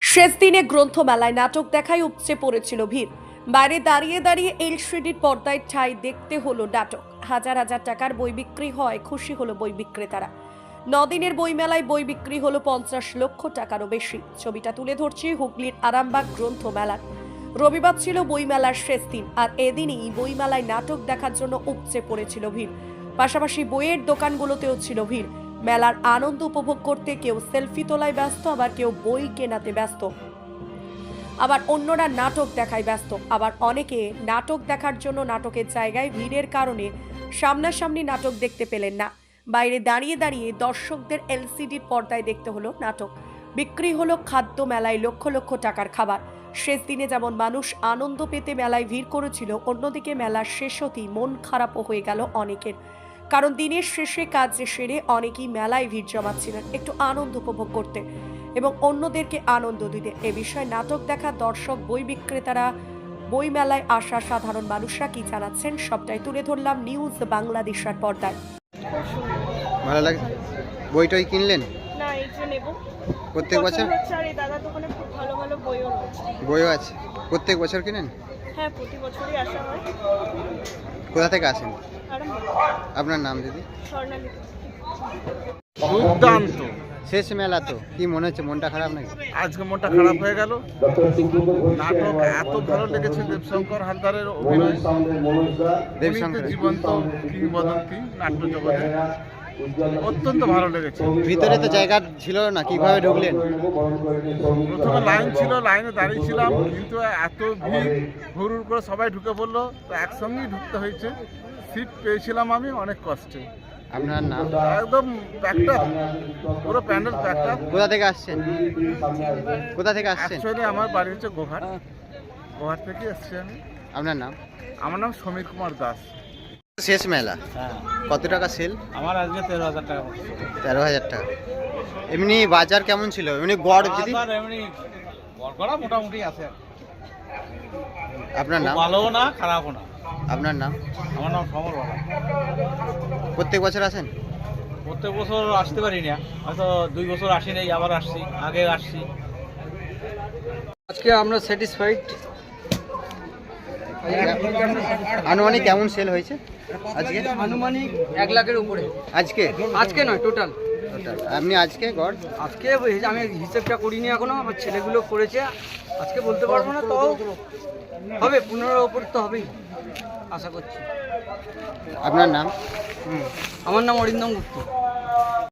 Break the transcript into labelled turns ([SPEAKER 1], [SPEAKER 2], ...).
[SPEAKER 1] শেষ দিনে গ্রন্থমেলায় নাটক দেখায় উপচে পড়েছিল ভিড়। বাইরে দাঁড়িয়ে দাঁড়িয়ে এলসিডির পর্দায় ঠাঁই দেখতে হলো নাটক। হাজার হাজার টাকার বই বিক্রি হয়, খুশি হলো বই বিক্রেতারা। 9 দিনের বইমেলায় বই বিক্রি হলো 50 লক্ষ টাকারও বেশি। ছবিটা তুলে ধরছে হুগলির আরামবাগ গ্রন্থমেলার। রবিবার ছিল বইমেলার শেষ দিন, আর এদিনই বইমেলায় নাটক দেখার জন্য উপচে পড়েছিল ভিড়। পাশাপাশি বইয়ের দোকানগুলোতেও ছিল ভিড়। মেলার আনন্দ উপভোগ করতে কেউ সেলফি তোলায় ব্যস্ত, আবার কেউ বই কেনাতে ব্যস্ত, আবার অন্যরা নাটক দেখায় ব্যস্ত। আবার অনেকে নাটক দেখার জন্য নাটকের জায়গায় ভিড়ের কারণে সামনাসামনি নাটক দেখতে পেলেন না। বাইরে দাঁড়িয়ে দাঁড়িয়ে দর্শকদের এলসিডির পর্দায় দেখতে হলো নাটক। বিক্রি হলো খাদ্য, মেলায় লক্ষ লক্ষ টাকার খাবার। শেষ দিনে যেমন মানুষ আনন্দ পেতে মেলায় ভিড় করেছিল, অন্যদিকে মেলার শেষ হতেই মন খারাপও হয়ে গেল অনেকের। কারণ দিনের শেষে কাজ সেরে অনেকেই মেলায় ভিড় জমাচ্ছিলেন একটু আনন্দ উপভোগ করতে এবং অন্যদেরকে আনন্দ দিতে। এ বিষয়ে নাটক দেখা দর্শক, বই বিক্রেতারা, বই মেলায় আসা সাধারণ মানুষরা কি জানাচ্ছেন সবটাই তুলে ধরলাম নিউজ বাংলাদেশের পর্দায়।
[SPEAKER 2] ভালো লাগে। বইটাই কিনলেন?
[SPEAKER 3] না, এই যে নেব।
[SPEAKER 2] প্রত্যেক বছর
[SPEAKER 3] হচ্ছে, আর এই দাদার দোকানে খুব ভালো ভালো বইও রয়েছে।
[SPEAKER 2] বইও আছে? প্রত্যেক বছর কিনেন?
[SPEAKER 3] হ্যাঁ, প্রতি বছরই আসা হয়।
[SPEAKER 2] কোথা থেকে আসেন?
[SPEAKER 3] আরামবাগ।
[SPEAKER 2] আপনার নাম দিদি?
[SPEAKER 3] স্বর্ণালী।
[SPEAKER 4] দুর্দান্ত।
[SPEAKER 2] শেষ মেলা তো, কি মনে হচ্ছে? মনটা খারাপ নাকি?
[SPEAKER 4] আজকে মনটা খারাপ হয়ে গেল। নাটক এত ভালো লেগেছে, দেবশঙ্কর হালদারের অভিনয়।
[SPEAKER 2] দেবশঙ্কর
[SPEAKER 4] জীবন্ত কিংবদন্তি নাট্য জগতে অত্যন্ত ভালো লেগেছে।
[SPEAKER 2] ভিতরে তো জায়গা ছিল না, কিভাবে ঢুকলেন?
[SPEAKER 4] প্রথমে লাইন ছিল, লাইনে দাঁড়িয়েছিলাম, কিন্তু এত ভিড়, হুড় করে সবাই ঢুকে পড়লো, তো একসঙ্গেই ঢুকতে হয়েছে। সিট পেয়েছিলাম আমি অনেক কষ্টে।
[SPEAKER 2] আপনার নাম?
[SPEAKER 4] একদম প্যাকটা, পুরো প্যান্ডেল প্যাকটা।
[SPEAKER 2] কোথা থেকে আসছেন? কোথা থেকে আসছেন?
[SPEAKER 4] অ্যাকচুয়ালি আমার বাড়ি হচ্ছে গোঘাট। গোঘাট থেকে এসছি আমি।
[SPEAKER 2] আপনার নাম?
[SPEAKER 4] আমার নাম সমীর কুমার দাস।
[SPEAKER 2] শেষ মেলা, কত টাকা সেল?
[SPEAKER 5] আমার আজকে 13,000 টাকা।
[SPEAKER 2] 13,000 টাকা। এমনি বাজার কেমন ছিল? এমনি গড় যদি?
[SPEAKER 5] বাজার এমনি গড়গড়া মোটামুটি আছে।
[SPEAKER 2] আপনার নাম?
[SPEAKER 5] ভালোও না, খারাপও না।
[SPEAKER 2] আপনার নাম?
[SPEAKER 5] আমার নাম সমর বালা।
[SPEAKER 2] প্রত্যেক বছর আসেন?
[SPEAKER 5] প্রত্যেক বছর আসতে পারি না, হয়তো 2 বছর আসি নাই, আবার আসছি, আগে আসছি।
[SPEAKER 6] আজকে আমরা স্যাটিসফাইড।
[SPEAKER 2] আনুমানিক কেমন সেল হয়েছে আজকে?
[SPEAKER 6] আনুমানিক 1 লাখের উপরে।
[SPEAKER 2] আজকে?
[SPEAKER 6] আজকে নয়, টোটাল।
[SPEAKER 2] আপনি আজকে গড়?
[SPEAKER 6] আজকে আমি হিসেবটা করিনি এখনো, আমার ছেলেগুলো করেছে। আজকে বলতে পারবো না, তাও হবে 15 ওপর তো হবেই আশা করছি।
[SPEAKER 2] আপনার নাম?
[SPEAKER 6] আমার নাম অরিন্দম গুপ্ত।